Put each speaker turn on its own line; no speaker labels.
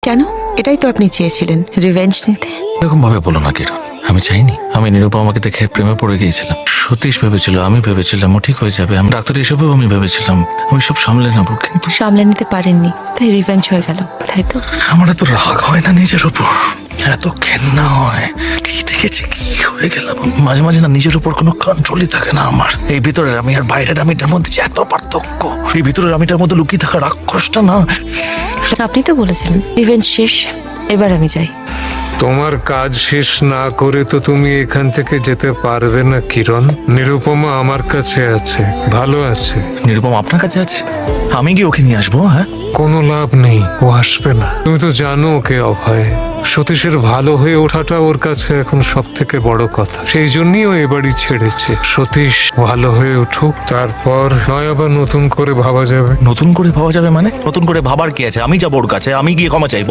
কেন? এটাই তো আপনি চেয়েছিলেন, রিভেঞ্জ নিতে।
এরকম ভাবে বলো না কিরণ, আমি চাইনি। আমি নিরুপমাকে দেখে প্রেমে পড়ে গিয়েছিলাম। সতীশ ভেবেছিল, আমি ভেবেছিলাম ও ঠিক হয়ে যাবে। আমি ডাক্তার হিসেবেও আমি ভেবেছিলাম আমি সব সামলে নেবো, কিন্তু
সামলে নিতে পারেননি, তাই রিভেঞ্জ হয়ে গেল, তাই তো?
আমার এত রাগ হয় না নিজের উপর, এত ঘেন্না হয়। কি দেখেছি, কি হয়ে গেলাম। মাঝে মাঝে না নিজের উপর কোনো কন্ট্রোলই থাকে না আমার। এই ভিতরের আমি আর বাইরের আমিটার মধ্যে যে এত পার্থক্য, এই ভিতরের আমিটার মধ্যে লুকিয়ে থাকা রাক্ষসটা না।
আপনি তো বলেছিলেন রিভেঞ্জ শেষ, এবার আমি যাই।
তোমার কাজ শেষ না করে তো তুমি এখান থেকে যেতে পারবে না কিরণ। নিরুপমা আমার কাছে আছে, ভালো আছে।
নিরুপমা আপনার কাছে আছে? আমি কি ওকে নিয়ে আসবো? হ্যাঁ,
কোনো লাভ নেই, ও আসবে না। তুমি তো জানো ওকে অভয়। সতীশের ভালো হয়ে ওঠাটা ওর কাছে এখন সব থেকে বড় কথা। সেই জন্যই ও এবারই ছেড়েছে। সতীশ ভালো হয়ে উঠুক, তারপর নয় আবার নতুন করে ভাবা যাবে।
নতুন করে ভাবা যাবে মানে? নতুন করে ভাবার কি আছে? আমি যাবো ওর কাছে, আমি গিয়ে ক্ষমা চাইবো।